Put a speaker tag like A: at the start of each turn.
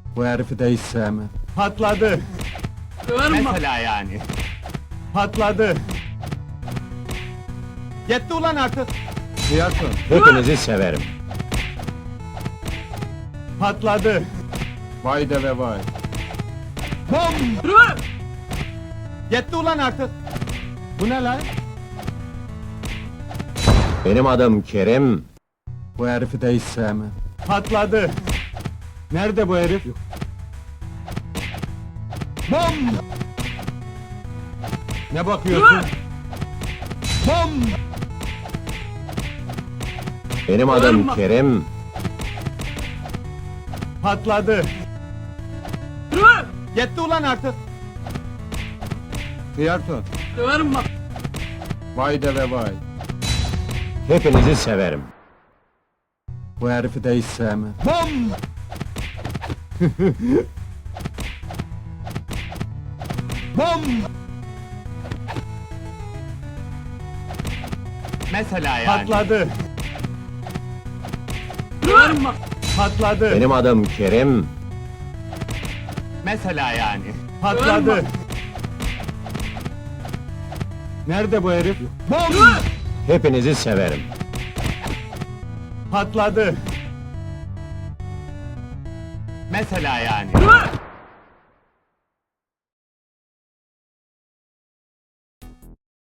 A: Bu herifi de hiç sevmem. Patladı.
B: Mesela yani.
A: Patladı. Yetti ulan artık. Fiyatı.
C: Hepinizi severim.
A: Patladı. Vay de ve vay. Bom! Yetti ulan artık. Bu ne lan?
C: Benim adım Kerim.
A: Bu herifi de hiç sevmem. Patladı. Nerede bu herif? Bom! Ne bakıyorsun? Bom!
C: Benim adım Kerim.
A: Patladı. Yetti ulan artık. Fiyatı.
B: Döverim bak.
A: Vay de ve vay.
C: Hepinizi severim.
A: Bu herifi de hiç sevmem. Bom! Bom!
B: Mesela yani.
A: Patladı.
B: Döverim bak.
A: Patladı.
C: Benim adım Kerim.
B: Mesela yani.
A: Patladı. Nerede bu herif? Bom!
C: Hepinizi severim.
A: Patladı.
B: Mesela yani.